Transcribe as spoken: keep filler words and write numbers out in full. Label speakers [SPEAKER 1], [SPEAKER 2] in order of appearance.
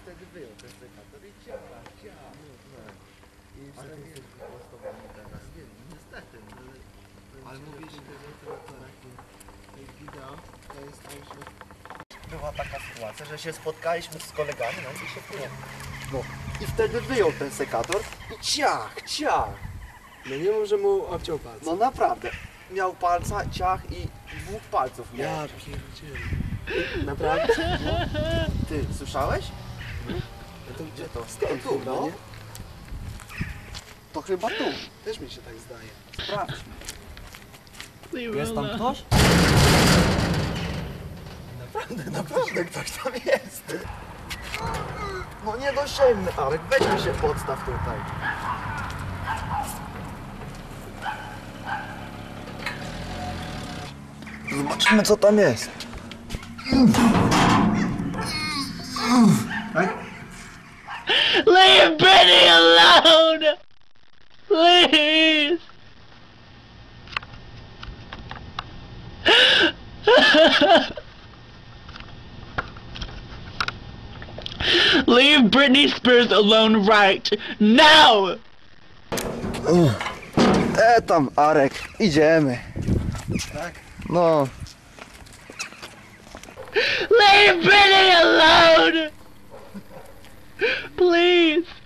[SPEAKER 1] wtedy wyjął ten sekator i ciach, ciach. I wtedy jesteś wyprostowany teraz. Nie, niestety. Ale mówisz, że wideo to jest tak, że... Była taka sytuacja, że się spotkaliśmy z kolegami, no i się wpłynie. No i wtedy wyjął ten sekator i ciach, ciach.
[SPEAKER 2] No nie mów, że mu obciął palce.
[SPEAKER 1] No naprawdę. Miał palca, ciach i dwóch palców miał.
[SPEAKER 2] Ja pierdzielę. Naprawdę?
[SPEAKER 1] Ty, słyszałeś?
[SPEAKER 2] No to
[SPEAKER 1] Gdzie to?
[SPEAKER 2] Skąd
[SPEAKER 1] tu,
[SPEAKER 2] chyba,
[SPEAKER 1] no.
[SPEAKER 2] nie?
[SPEAKER 1] To chyba tu.
[SPEAKER 2] Też mi się tak zdaje.
[SPEAKER 1] Sprawdź.
[SPEAKER 3] Jest tam ktoś?
[SPEAKER 1] Naprawdę, naprawdę ktoś tam jest. No nie dosięgnę, Arek, weź mi się podstaw tutaj. Zobaczymy co tam jest.
[SPEAKER 3] Leave Brittany alone! Please! Leave Britney Spears alone right now!
[SPEAKER 1] E tam, Arek, idziemy.
[SPEAKER 2] Tak?
[SPEAKER 1] No.
[SPEAKER 3] Leave Britney alone! Please!